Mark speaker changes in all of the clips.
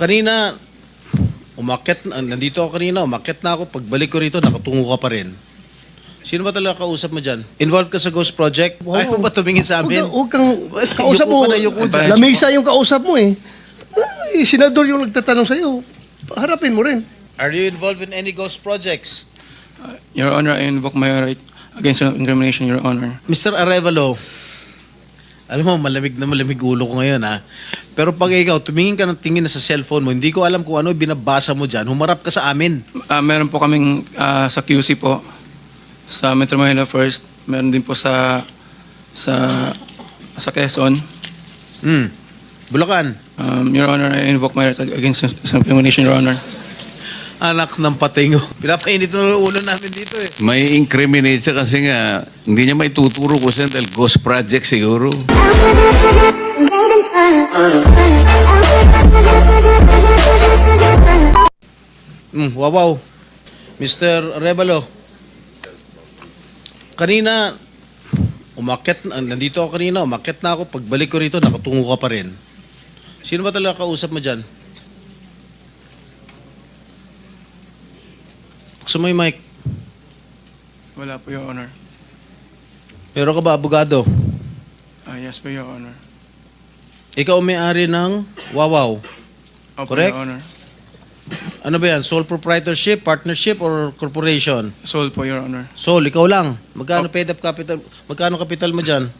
Speaker 1: Kanina, nandito ako kanina, umakyat na ako. Pagbalik ko rito, nakatungo ka pa rin. Sino ba talaga kausap mo dyan? Involved ka sa Ghost Project?
Speaker 2: Wow.
Speaker 1: Ayaw mo ba tumingin sa amin?
Speaker 2: Huwag kang kausap
Speaker 1: Yuko
Speaker 2: mo.
Speaker 1: ka na, yuko dyan.
Speaker 2: Lamesa yung kausap mo eh. Ay, senador yung nagtatanong sa'yo. Harapin mo rin.
Speaker 1: Are you involved in any Ghost Projects?
Speaker 3: Your Honor, I invoke my right against self-incrimination, Your Honor.
Speaker 1: Mr. Arevalo, alam mo, malamig ulo ko ngayon ha. Pero pag ikaw, tumingin ka ng tingin na sa cellphone mo, hindi ko alam kung ano binabasa mo dyan, humarap ka sa amin.
Speaker 3: Meron po kaming sa QC po, sa Metro Manila First. Meron din po sa Quezon.
Speaker 1: Bulacan.
Speaker 3: Your Honor, I invoke my right against self-incrimination, Your Honor.
Speaker 1: Anak ng patingo. Pinapainit ng ulo namin dito eh.
Speaker 4: May incriminate siya kasi nga hindi niya may tuturo ko siya dahil ghost project siguro.
Speaker 1: Wow. Mr. Arevalo, kanina, nandito ako kanina, umakyat na ako. Pagbalik ko rito, nakatungo ka pa rin. Sino ba talaga kausap mo dyan? Gusto mo yung mic?
Speaker 3: Wala po, Your Honor.
Speaker 1: Meron ka ba abogado?
Speaker 3: Yes po, Your Honor.
Speaker 1: Ikaw ang may-ari ng Wawaw.
Speaker 3: Opo,
Speaker 1: Correct?
Speaker 3: Your Honor.
Speaker 1: Ano ba yan? Sole proprietorship, partnership, or corporation?
Speaker 3: Sold po, Your Honor.
Speaker 1: Sole, ikaw lang. Magkano paid up capital? Magkano capital mo dyan?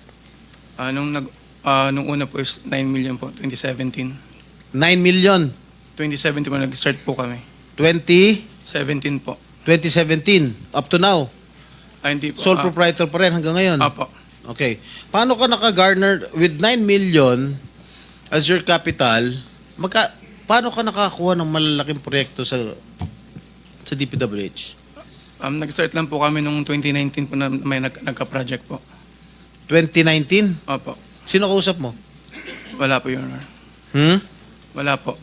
Speaker 3: Nung una po is 9 million po, 2017.
Speaker 1: 9 million.
Speaker 3: 2017 po, nag-start po kami.
Speaker 1: 2017.
Speaker 3: 17 po.
Speaker 1: Up to now.
Speaker 3: Hindi po.
Speaker 1: Sole proprietor pa rin hanggang ngayon.
Speaker 3: Apo.
Speaker 1: Okay. Paano ka naka-garner with 9 million as your capital? Paano ka nakakuha ng malalaking proyekto sa DPWH?
Speaker 3: Nag-start lang po kami nung 2019 po na may nagka-project po.
Speaker 1: 2019?
Speaker 3: Opo.
Speaker 1: Sino kausap mo?
Speaker 3: Wala po, Your Honor. Wala po.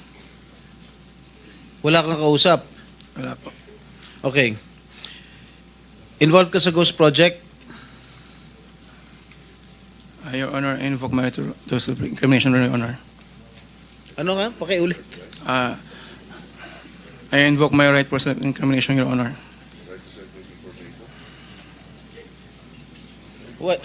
Speaker 1: Wala kang kausap?
Speaker 3: Wala po.
Speaker 1: Okay. Involved ka sa Ghost Project?
Speaker 3: Your Honor, I invoke my right to self-incrimination, Your Honor.
Speaker 1: Ano nga? Pakiulit.
Speaker 3: I invoke my right for self-incrimination, Your Honor.
Speaker 1: What?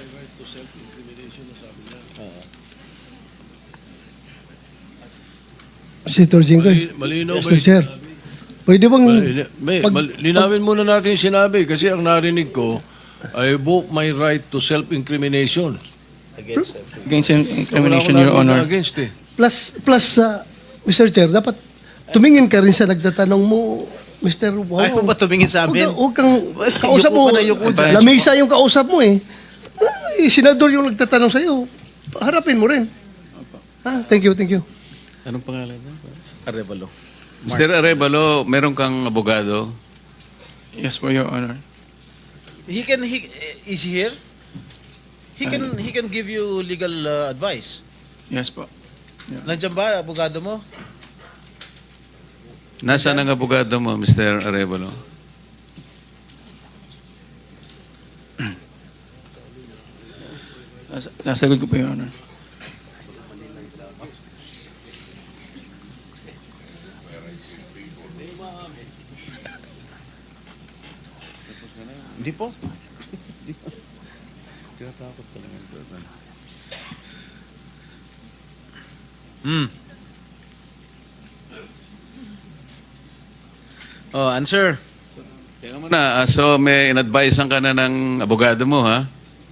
Speaker 2: Senator Jinggoy.
Speaker 5: Malinaw ba
Speaker 2: Mr. Chair. Pwede bang...
Speaker 5: linawin muna natin yung sinabi kasi ang narinig ko, I invoke my right to self-incrimination.
Speaker 1: Against
Speaker 3: Against self-incrimination,
Speaker 5: Wala
Speaker 3: Your
Speaker 5: ko
Speaker 3: Honor.
Speaker 5: against eh.
Speaker 2: Plus, Mr. Chair, dapat tumingin ka rin sa nagtatanong mo, Mr. Wow.
Speaker 1: Ayaw mo ba tumingin sa amin?
Speaker 2: Huwag kang kausap
Speaker 1: Yuko
Speaker 2: mo.
Speaker 1: ka na, yuko
Speaker 3: dyan.
Speaker 2: Lamesa yung kausap mo eh. Ay, senador yung nagtatanong sa'yo. Harapin mo rin. Thank you.
Speaker 4: Anong pangalan niya?
Speaker 1: Arevalo.
Speaker 4: Mr. Arevalo, meron kang abogado?
Speaker 3: Yes po, Your Honor.
Speaker 1: Is he here? He can give you legal advice.
Speaker 3: Yes po.
Speaker 1: Nandiyan ba abogado mo?
Speaker 4: Nasaan ang abogado mo, Mr. Arevalo?
Speaker 3: Nasa good ko po, Your Honor.
Speaker 1: Hindi po. Tinatakot ka lang, Mr. Oh, answer.
Speaker 4: Tingnan mo na, so may in-advisean ka na ng abogado mo, ha?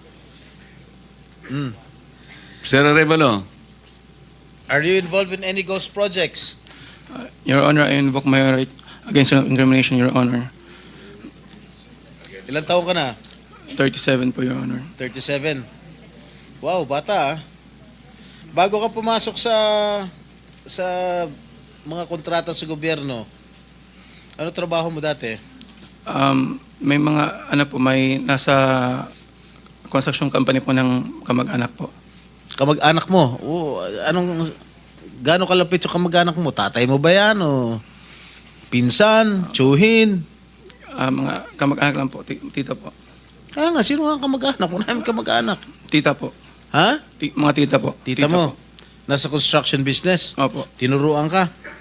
Speaker 4: Mr. Arevalo,
Speaker 1: Are you involved in any ghost projects?
Speaker 3: Your Honor, I invoke my right against self-incrimination, Your Honor.
Speaker 1: Ilang taon ka na?
Speaker 3: 37 po, Your Honor.
Speaker 1: 37. Wow, bata ah. Bago ka pumasok sa mga kontrata sa gobyerno, ano trabaho mo dati?
Speaker 3: May mga, may nasa construction company po ng kamag-anak po.
Speaker 1: Kamag-anak mo? Gano'ng kalapit yung kamag-anak mo? Tatay mo ba yan? O pinsan? Tsuhin?
Speaker 3: Mga kamag-anak lang po, tita po.
Speaker 1: Kaya nga, sino nga ang kamag-anak? Wala namin kamag-anak.
Speaker 3: Tita po.
Speaker 1: Ha?
Speaker 3: Mga tita po.
Speaker 1: Tita mo?
Speaker 3: Po.
Speaker 1: Nasa construction business?
Speaker 3: Opo.
Speaker 1: Tinuruan ka?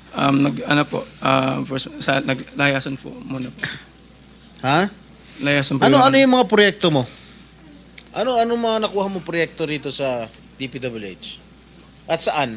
Speaker 3: Naglayasan po muna po.
Speaker 1: Ha?
Speaker 3: Layasan po.
Speaker 1: Ano
Speaker 3: Your
Speaker 1: ano
Speaker 3: Honor.
Speaker 1: yung mga proyekto mo? Ano mga nakuha mo proyekto rito sa DPWH? At saan?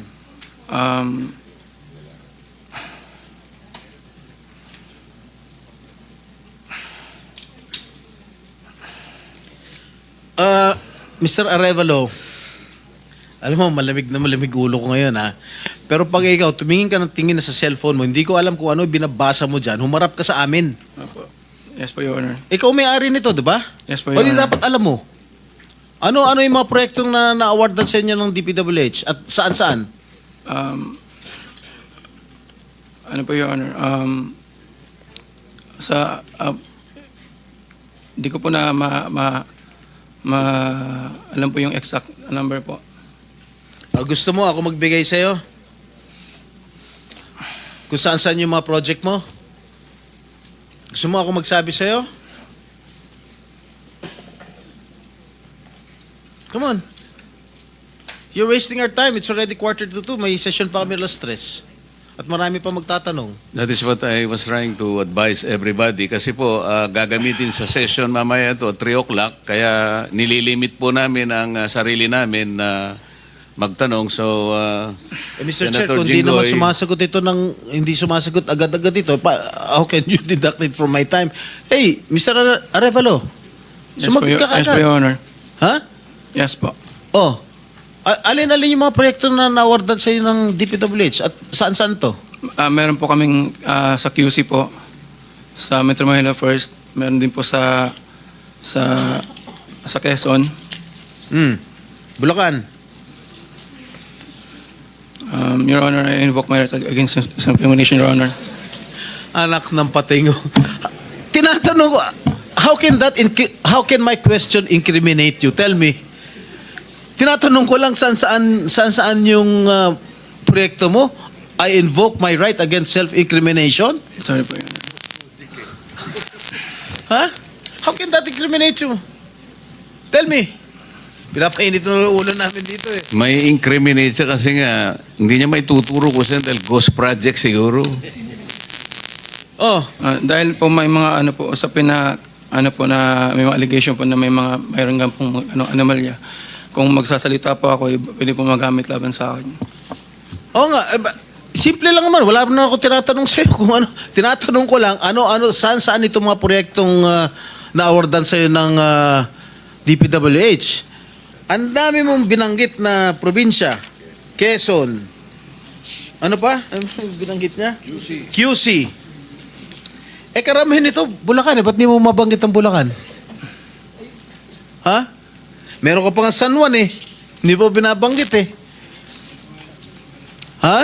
Speaker 1: Mr. Arevalo, alam mo, malamig na malamig ulo ko ngayon, ha? Pero pag ikaw, tumingin ka ng tingin na sa cellphone mo, hindi ko alam kung ano binabasa mo dyan, humarap ka sa amin.
Speaker 3: Opo. Yes po, Your Honor.
Speaker 1: Ikaw may-ari nito, di ba?
Speaker 3: Yes po,
Speaker 1: O
Speaker 3: Your
Speaker 1: di
Speaker 3: Honor.
Speaker 1: dapat alam mo. Ano yung mga proyektong na-awardan sa inyo ng DPWH? At saan-saan?
Speaker 3: Ano po, Your Honor? Di ko po na alam po yung exact number po.
Speaker 1: Gusto mo ako magbigay sa'yo? Kung saan-saan yung mga project mo? Gusto mo ako magsabi sa'yo? Come on. You're wasting our time. It's already 1:45. May session pa kami alas 3. At marami pa magtatanong.
Speaker 4: That is what I was trying to advise everybody. Kasi po, gagamitin sa session mamaya to 3 o'clock. Kaya nililimit po namin ang sarili namin na magtanong. So,
Speaker 1: Mr. Chair,
Speaker 4: Senator
Speaker 1: kung di naman
Speaker 4: Jinggoy-
Speaker 1: sumasagot ito hindi sumasagot agad-agad ito, how can you deduct it from my time? Hey, Mr. Arevalo, sumagot ka
Speaker 3: Yes po,
Speaker 1: agad.
Speaker 3: Your Honor.
Speaker 1: Ha?
Speaker 3: Yes po.
Speaker 1: Oh, alin-alin yung mga proyekto na na-awardan sa iyo ng DPWH at saan-saan to?
Speaker 3: Meron po kaming sa QC po, sa Metro Manila First. Meron din po sa Quezon.
Speaker 1: Bulacan.
Speaker 3: Your Honor, I invoke my right against self-incrimination, Your Honor.
Speaker 1: Anak ng patingo. Tinatanong ko, how can my question incriminate you? Tell me. Tinatanong ko lang saan yung proyekto mo. I invoke my right against self-incrimination?
Speaker 3: Sorry po, Your Honor.
Speaker 1: Ha? How can that incriminate you? Tell me. Pinapainit ng ulo namin dito eh.
Speaker 4: may incriminate siya kasi nga, hindi niya may tuturo ko siya dahil ghost project siguro.
Speaker 1: Oh,
Speaker 3: Dahil po may mga usapin na may mga allegation po na mayroon nga pong anomalya. Kung magsasalita po ako, pwede po magamit laban sa akin.
Speaker 1: oo nga. Simple lang naman. Wala na ako tinatanong sa'yo kung ano. Tinatanong ko lang, saan itong mga proyektong na-awardan sa'yo ng DPWH. Ang dami mong binanggit na probinsya. Quezon. Ano pa? Ano binanggit niya? QC. Karamihan ito, Bulacan. Ba't di mo mabanggit ang Bulacan? Ha? Meron ka pa nga San Juan eh. Hindi mo binabanggit eh. Ha?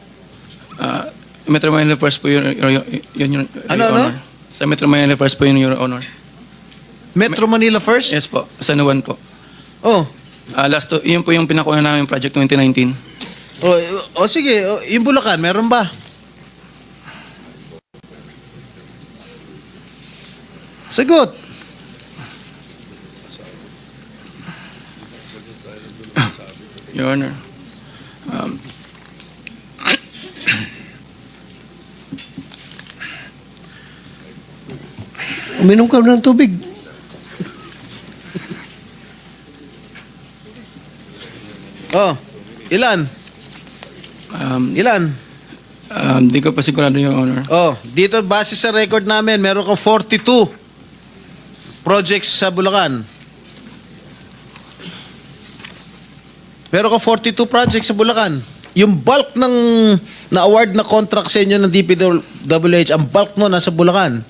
Speaker 3: Metro Manila First po yun, Your
Speaker 1: Ano?
Speaker 3: Honor. Sa Metro Manila First po yun, Your Honor.
Speaker 1: Metro Manila first?
Speaker 3: Yes po, San Juan po.
Speaker 1: Oh.
Speaker 3: Yun po yung pinakuha namin project 2019.
Speaker 1: Sige. Yung Bulacan, meron ba? Sagot.
Speaker 3: Your Honor.
Speaker 2: Uminom ka ng tubig.
Speaker 1: Oh. Ilan? Ilan?
Speaker 3: Di ko pa sigurado, Your Honor.
Speaker 1: Oh, dito base sa record namin, meron kang 42 projects sa Bulacan. Meron kang 42 projects sa Bulacan. Yung bulk ng na-award na contract sa inyo ng DPWH, ang bulk mo nasa Bulacan.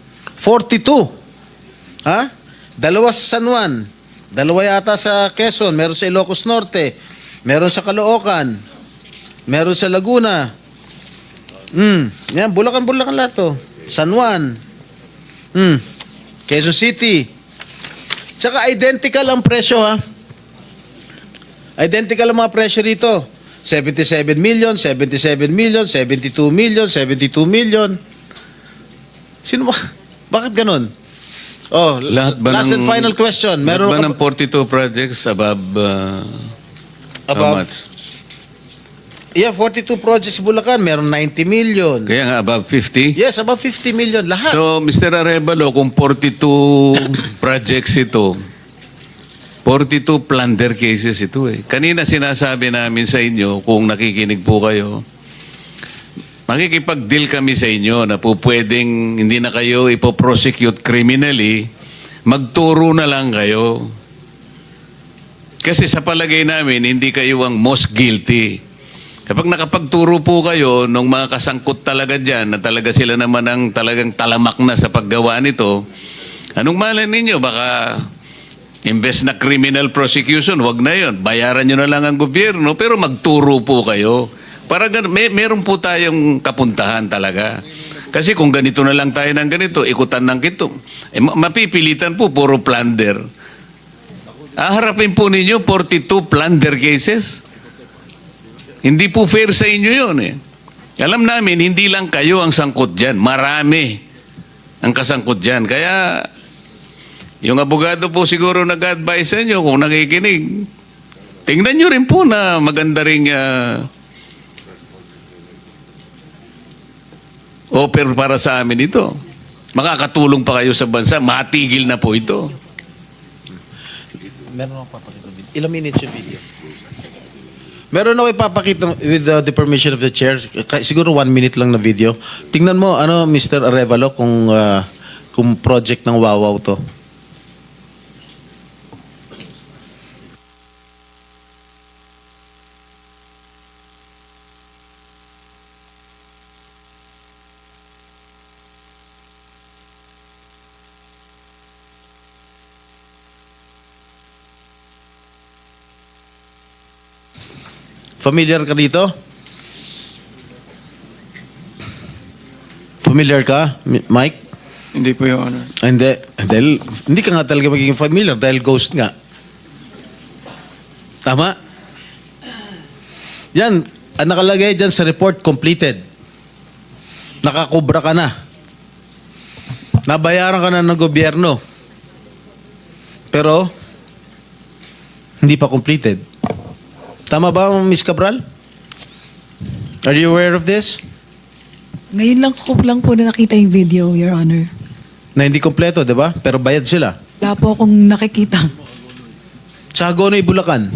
Speaker 1: 42. Ha? 2 sa San Juan. 2 yata sa Quezon. Meron sa Ilocos Norte. Meron sa Caloocan. Meron sa Laguna. Yan, Bulacan lahat to. San Juan. Quezon City. Tsaka identical ang presyo, ha? Identical ang mga presyo rito. 77 million, 77 million, 72 million, 72 million. Sino ba? Bakit ganun? Oh,
Speaker 4: Lahat ba
Speaker 1: last and final question. Meron
Speaker 4: lahat ba
Speaker 1: ka
Speaker 4: ng 42 projects above, how
Speaker 1: Above?
Speaker 4: much?
Speaker 1: Yeah, 42 projects sa Bulacan. Meron 90 million.
Speaker 4: Kaya nga, above 50?
Speaker 1: Yes, about 50 million. Lahat.
Speaker 4: So, Mr. Arevalo, kung 42 projects ito, 42 plunder cases ito eh. Kanina sinasabi namin sa inyo, kung nakikinig po kayo, makikipag-deal kami sa inyo na po pwedeng hindi na kayo ipoprosecute criminally, magturo na lang kayo. Kasi sa palagay namin, hindi kayo ang most guilty. Kapag nakapagturo po kayo ng mga kasangkot talaga dyan, na talaga sila naman ang talagang talamak na sa paggawa nito, anong malay ninyo? Baka imbes na criminal prosecution, wag na yon. Bayaran nyo na lang ang gobyerno, pero magturo po kayo. Para meron po tayong kapuntahan talaga. Kasi kung ganito na lang tayo ng ganito, ikutan ng kito, mapipilitan po, puro plunder. Harapin po ninyo 42 plunder cases. Hindi po fair sa inyo yun eh. Alam namin, hindi lang kayo ang sangkot dyan. Marami ang kasangkot dyan. Kaya, yung abogado po siguro nag-advise sa inyo kung nakikinig. Tingnan nyo rin po na maganda ring offer para sa amin ito. Makakatulong pa kayo sa bansa. Matigil na po ito.
Speaker 1: Meron ako papakita video. Ilang minutes yung video? Meron ako ipapakita with the permission of the chair. Siguro 1 minute lang na video. Tingnan mo, Mr. Arevalo, kung project ng Wawaw to. Familiar ka dito? Familiar ka, Mike?
Speaker 3: Hindi po, Your Honor.
Speaker 1: Hindi. Dahil, hindi ka nga talaga magiging familiar dahil ghost nga. Tama? Yan, ang nakalagay dyan sa report, completed. Nakakubra ka na. Nabayaran ka na ng gobyerno. Pero, hindi pa completed. Tama ba, Ms. Cabral? Are you aware of this?
Speaker 6: Ngayon lang po na nakita yung video, Your Honor.
Speaker 1: Na hindi kompleto, di ba? Pero bayad sila.
Speaker 6: Wala po akong nakikita.
Speaker 1: Sa Hagonoy, Bulacan.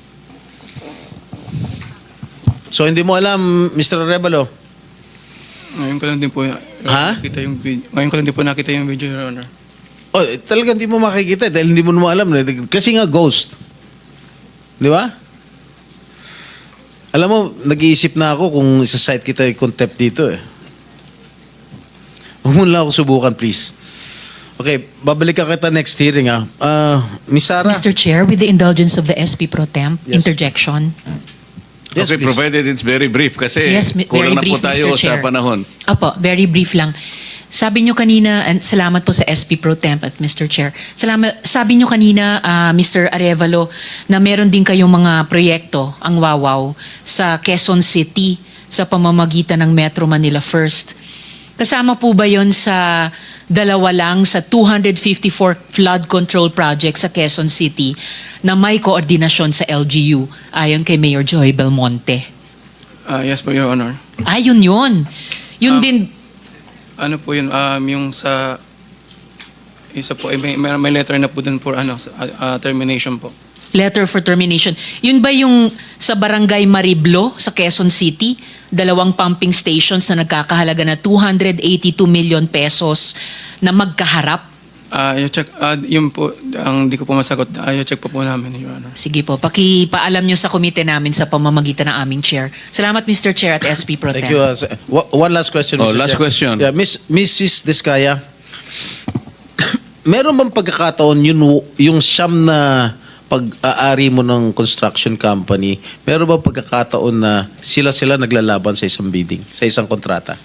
Speaker 1: So, hindi mo alam, Mr. Arevalo?
Speaker 3: Ngayon ko lang din po nakita yung video. Ngayon ko lang din po nakita yung video, Your Honor.
Speaker 1: Oh, talagang hindi mo makikita dahil hindi mo naman alam. Kasi nga, ghost. Di ba? Alam mo, nag-iisip na ako kung isa-site kita yung contempt dito eh. Huwag mo lang ako subukan, please. Okay, babalik ka kita next hearing ah. Miss Sara?
Speaker 7: Mr. Chair, with the indulgence of the SP Pro Temp,
Speaker 1: Yes.
Speaker 7: interjection.
Speaker 1: Yes,
Speaker 4: Okay,
Speaker 1: please.
Speaker 4: provided it's very brief kasi
Speaker 7: Yes,
Speaker 4: kulang na
Speaker 7: very
Speaker 4: po
Speaker 7: brief,
Speaker 4: tayo
Speaker 7: Mr.
Speaker 4: sa
Speaker 7: Chair.
Speaker 4: panahon.
Speaker 7: Opo, very brief lang. Sabi nyo kanina, and salamat po sa SP Pro Temp at Mr. Chair. Sabi nyo kanina, Mr. Arevalo, na meron din kayong mga proyekto, ang Wawaw, sa Quezon City sa pamamagitan ng Metro Manila First. Kasama po ba yon sa dalawa lang sa 254 flood control project sa Quezon City na may koordinasyon sa LGU ayon kay Mayor Joy Belmonte?
Speaker 3: Yes po, Your Honor.
Speaker 7: Ayun yun. Yun din,
Speaker 3: Ano po yun, yung sa isa po, may letter na po dun for termination po.
Speaker 7: letter for termination. Yun ba yung sa Barangay Mariblo sa Quezon City? 2 pumping stations na nagkakahalaga na 282 million pesos na magkaharap?
Speaker 3: I-check, yun po, ang di ko po masagot. I-check po namin, Your Honor.
Speaker 7: Sige po, pakipaalam nyo sa komite namin sa pamamagitan ng aming chair. Salamat, Mr. Chair at SP Pro Tem.
Speaker 1: Thank you. One last question,
Speaker 4: Oh,
Speaker 1: Mr.
Speaker 4: last
Speaker 1: Chair.
Speaker 4: question.
Speaker 1: Yeah, Mrs. Diskaya, meron bang pagkakataon yung siyam na pag-aari mo ng construction company, meron bang pagkakataon na sila naglalaban sa isang bidding, sa isang kontrata?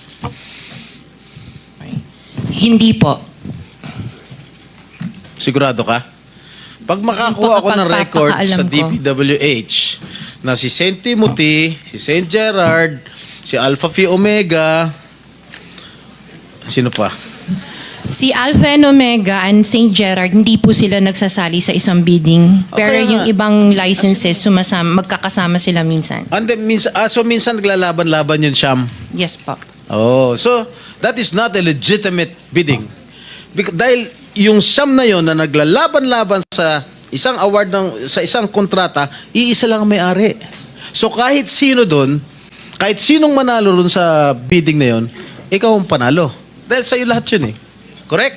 Speaker 8: Hindi po.
Speaker 1: Sigurado ka? Pag makakuha ako ng record sa
Speaker 8: Pagpapakaalam ko.
Speaker 1: DPWH na si St. Timothy, si St. Gerard, si Alpha Phi Omega, sino pa?
Speaker 8: Si Alpha and Omega and St. Gerard, hindi po sila nagsasali sa isang bidding. Pero
Speaker 1: Okay
Speaker 8: yung
Speaker 1: nga.
Speaker 8: ibang licenses, magkakasama sila minsan.
Speaker 1: And then, so minsan naglalaban-laban yun, Siyam.
Speaker 8: Yes po.
Speaker 1: Oh, so that is not a legitimate bidding. Dahil yung Siyam na yon na naglalaban-laban sa isang award sa isang kontrata, iisa lang ang may-ari. So kahit sino doon, kahit sinong manalo doon sa bidding na yon, ikaw ang panalo. Dahil sa'yo lahat yun eh. Correct?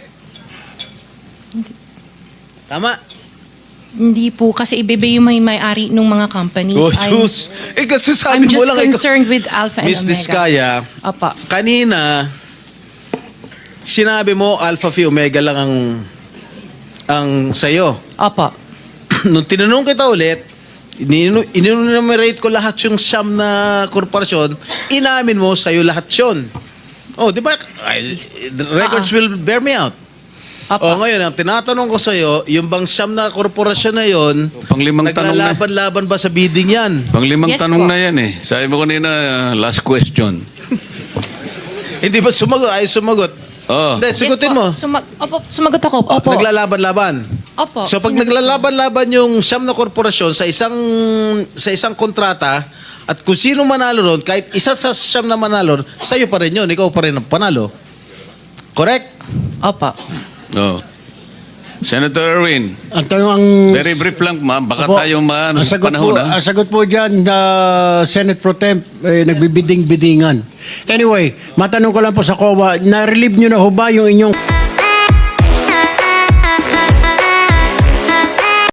Speaker 1: Tama?
Speaker 8: Hindi po, kasi iba yung may-ari ng mga companies.
Speaker 1: Oh, sus. Kasi
Speaker 8: I'm
Speaker 1: sabi mo
Speaker 8: just
Speaker 1: lang
Speaker 8: concerned with Alpha and
Speaker 1: Miss
Speaker 8: Omega.
Speaker 1: Diskaya,
Speaker 8: Opo.
Speaker 1: kanina, sinabi mo Alpha Phi Omega lang ang sa'yo.
Speaker 8: Opo.
Speaker 1: Nung tinanong kita ulit, inunumerate ko lahat yung Siyam na korporasyon, inamin mo sa'yo lahat yun. Oh, di ba? The records will bear me out.
Speaker 8: Opo.
Speaker 1: Oh, ngayon, ang tinatanong ko sa'yo, yung bang Siyam na korporasyon na yon,
Speaker 4: Panglimang tanong na.
Speaker 1: naglalaban-laban ba sa bidding yan?
Speaker 4: Panglimang
Speaker 8: Yes
Speaker 4: tanong
Speaker 8: po.
Speaker 4: na yan eh. Sabi mo kanina, last question.
Speaker 1: Hindi ba sumagot? Ay, sumagot.
Speaker 4: Oh.
Speaker 1: Hindi, sigutin
Speaker 8: Yes po.
Speaker 1: mo.
Speaker 8: Opo, sumagot ako. Opo.
Speaker 1: Naglalaban-laban.
Speaker 8: Opo.
Speaker 1: So pag naglalaban-laban yung Siyam na korporasyon sa isang kontrata, at kung sino manalo ron, kahit isa sa Siyam na manalo, sa'yo pa rin yun, ikaw pa rin ang panalo. Correct?
Speaker 8: Opo.
Speaker 4: Oh. Senator Erwin,
Speaker 9: Ang tanong ang...
Speaker 4: very brief lang ma'am. Baka
Speaker 9: Opo,
Speaker 4: tayo
Speaker 9: ang sagot
Speaker 4: panahon
Speaker 9: po,
Speaker 4: na.
Speaker 9: ang sagot po dyan, Senate Pro Temp, nagbibiding-bidingan. Anyway, matanong ko lang po sa COA, na-relieve nyo na ho ba yung inyong